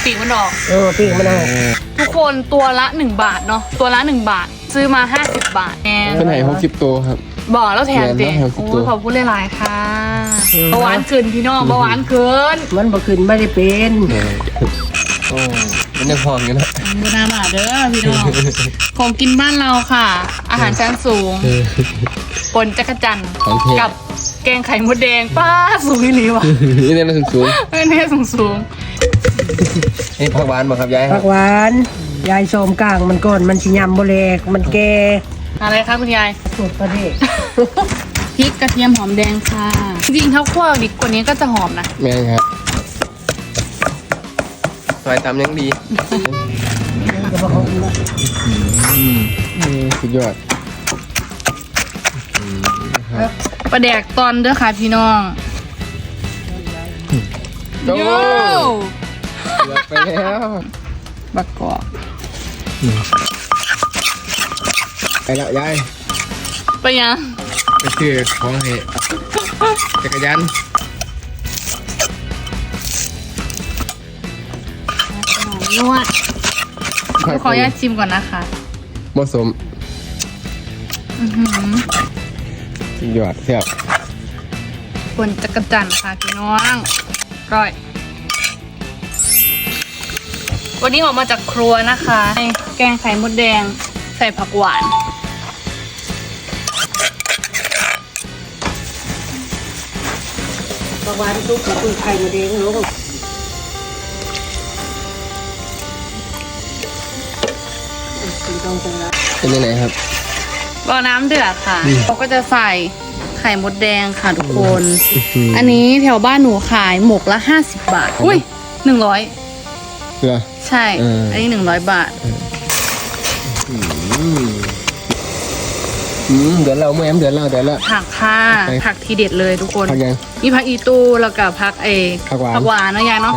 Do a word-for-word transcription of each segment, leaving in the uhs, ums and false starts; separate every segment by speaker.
Speaker 1: ปีกมันออก
Speaker 2: เออปีกมันออก
Speaker 1: ทุกคนตัวละหนึ่งบาทเนาะตัวละหนึ่งบาทซื้อมาห้าสิบบาทแอน
Speaker 3: เป็นไหนหกสิบตัวครับ
Speaker 1: บอกแล้วแถมเด็กโอ้ขอบคุณหลายๆค่ะเบาหวานขึ้นพี่น้องเบาหวานขึ้น
Speaker 2: มันบ่ขึ้นไม่ได้เป็น
Speaker 3: โอ้มันยังพองอยู่นะ
Speaker 1: ดูนาบาเด้อพี่น้องของกินบ้านเราค่ะ อาหารชั้นสูงปนจักรจันกับแกงไข่มดแดงป้าสูงอีหลีว่ะ
Speaker 3: นี่เนี่ยสูงสูง
Speaker 1: นี่สูงสูง
Speaker 3: นี่ผักหวานบ่ครับยาย
Speaker 2: ผักหวานยายโสมกลางมันก่อนมันชิยำโบเลกมันแก่
Speaker 1: อะไรคะคุณยาย
Speaker 2: สูตรประเดก
Speaker 1: พริกกระเทียมหอมแดงค่ะจริงๆถ้าคั่วดิบกว่านี้ก็จะหอมนะ
Speaker 3: แม่ครับซอยตำยังดีสุดยอด
Speaker 1: ปลาแดกตอนเด้อค่ะพี่น้อง
Speaker 3: โย่ไปแล้ว
Speaker 1: บักกอก
Speaker 3: ไปแล้วยาย
Speaker 1: ไปยัง
Speaker 3: ไปซื้อของให้จักรยาน
Speaker 1: นวดขออนุญาตชิมก่อนนะคะ
Speaker 3: ผสมสุดยอดเสียบ
Speaker 1: คนจักรจันทร์ค่ะพี่น้องก้อยวันนี้ออกมาจากครัวนะคะแกงไข่มดแดงใส่ผักหวาน
Speaker 2: ผักหวานทุกกับไข่มดแดงลูก
Speaker 3: เป็นยังไงครับ
Speaker 1: บ่อน้ำเดือดค่ะเราก็จะใส่ไข่มดแดงค่ะทุกคนอันนี้แถวบ้านหนูขายหมกละห้าสิบบาทอุ้ยหนึ่งร้อย
Speaker 3: เหรอ
Speaker 1: ใช่อันนี้หนึ่งร้อยบาท
Speaker 3: อืมเดี๋ยวเราแม่เดี๋ยวเราเดี๋ยวเรา
Speaker 1: ผักค่ะผักทีเด็ดเลยทุกคนมีผักอีตูแล้วก็ผักเอ
Speaker 3: ผักหวาน
Speaker 1: ผักหวานนะยายเนาะ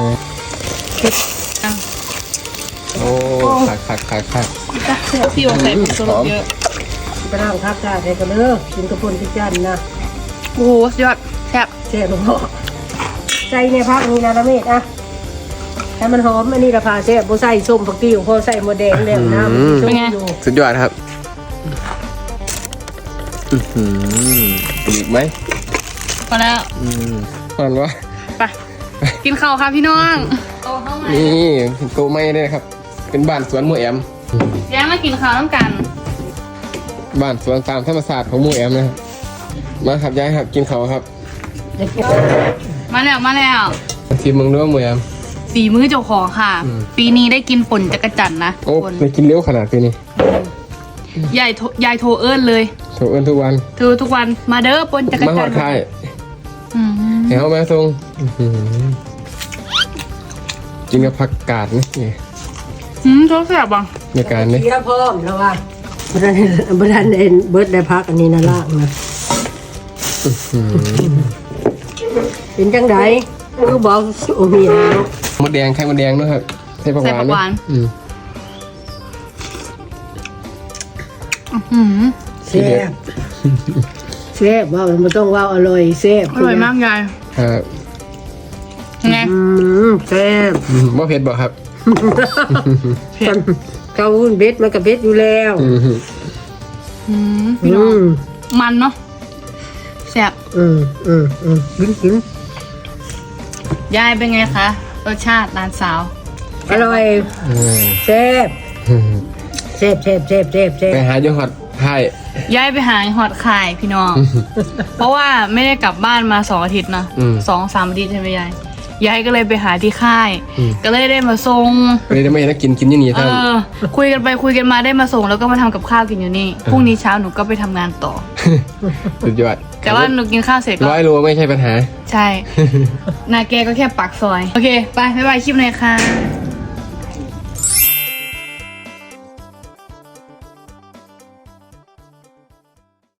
Speaker 3: โอ้ผักผักผักผัก
Speaker 1: พี่ว่าใส่ผงชูรสเยอะ
Speaker 2: ไปล้างผักกาดให้กันเด้อกินกระปุกพิจารณา
Speaker 1: โอ้ยอดแซ่บ
Speaker 2: แซ่บพ่อใส่ในผักนี้นะละเม็ดอ่ะให้มันหอมอันนี้ราคาแซ่บบ่ใส่ส้มผักติ้วพอใส่หมดแดงแล้วน้ำ
Speaker 1: เป็นไง
Speaker 3: สุดยอดครับอือหืออีกไหม
Speaker 1: พอแล้ว
Speaker 3: อืมพอแล้ววะ
Speaker 1: ไปกินข้าวค่ะพี่น้อง
Speaker 3: นี่โตไม่ได้ครับเป็นบ้านสวนหมู่แอม
Speaker 1: ย้ายมากินข้าวน้ำกัน
Speaker 3: บ้านสวนตามธรรมศาสตร์ของหมู่แอมนะครับมาครับย้ายครับกินข้าวครับ
Speaker 1: มาแล้วมาแล้ว
Speaker 3: ทีมมึงด้วยหมู่แอม
Speaker 1: ฝีมือเจ้าของค่ะปีนี้ได้กินป่นจักรจันนะ
Speaker 3: โอ้ไปกินเลี้ยวขนาดปีนี้
Speaker 1: ยายยายโทรเอิญเลย
Speaker 3: โทรเอิญทุกวัน
Speaker 1: โทรทุกวันมาเด้อป่นจักรจัน
Speaker 3: มาหอดค่ายเฮ้ยเอาแม่ทรงกินกับผักกาดนี่
Speaker 1: อืมชอบแซ่บบ้าง
Speaker 3: ในการนี้
Speaker 2: เยอะเพิ่มแล้วว่าบันบันเอ็นเบิร์ดได้พักอันนี้นะล่างนะเป็นจังไดคือบอกโอ้มีนะ
Speaker 3: มดแดงไข่มดแดงด้วยครับใส่ผักหวานอืม
Speaker 2: แซ่บแซ่บว่ามันต้องว่าอร่อยแซ่บ
Speaker 1: อร่อยมากยาย
Speaker 3: ครับ
Speaker 1: ไง
Speaker 2: แซ่บ
Speaker 3: ว่าเผ็ดบ่ครับ
Speaker 2: เผ็ดเกาเบ็ดมันกับเบ็ดอยู่แล้ว
Speaker 1: พี่น้องมันเนาะแซ่บ
Speaker 2: อืมอืมอืมกินกิน
Speaker 1: ยายเป็นไงคะรสชาติร้านสาว
Speaker 2: อร่อยแซ่บแซ่บแซ่บแซ่บแซ่บแซ่บ
Speaker 3: ไปหาจังหวัดไทย
Speaker 1: ย้ายไปหาหอดขายพี่น้องเพราะว่าไม่ได้กลับบ้านมาสองอาทิตย์นะสองสามอาทิตย์ใช่ไหมยายยายก็เลยไปหาที่ค่ายก็เลยได้มาส่ง
Speaker 3: เลยได้ไม่ได้กินกินยี่นี่ท่าน
Speaker 1: คุยกันไปคุยกันมาได้มาส่งแล้วก็มาทำกับข้าวกินอยู่นี่พรุ่งนี้เช้าหนูก็ไปทำงานต่อ
Speaker 3: สุดยอด
Speaker 1: แต่ว่าหนูกินข้าวเสร็จก็
Speaker 3: ร้อยโลไม่ใช่ปัญหา
Speaker 1: ใช่นาแกก็แค่ปากซอยโอเคไปบ๊ายบายคลิปหน่อยค่ะ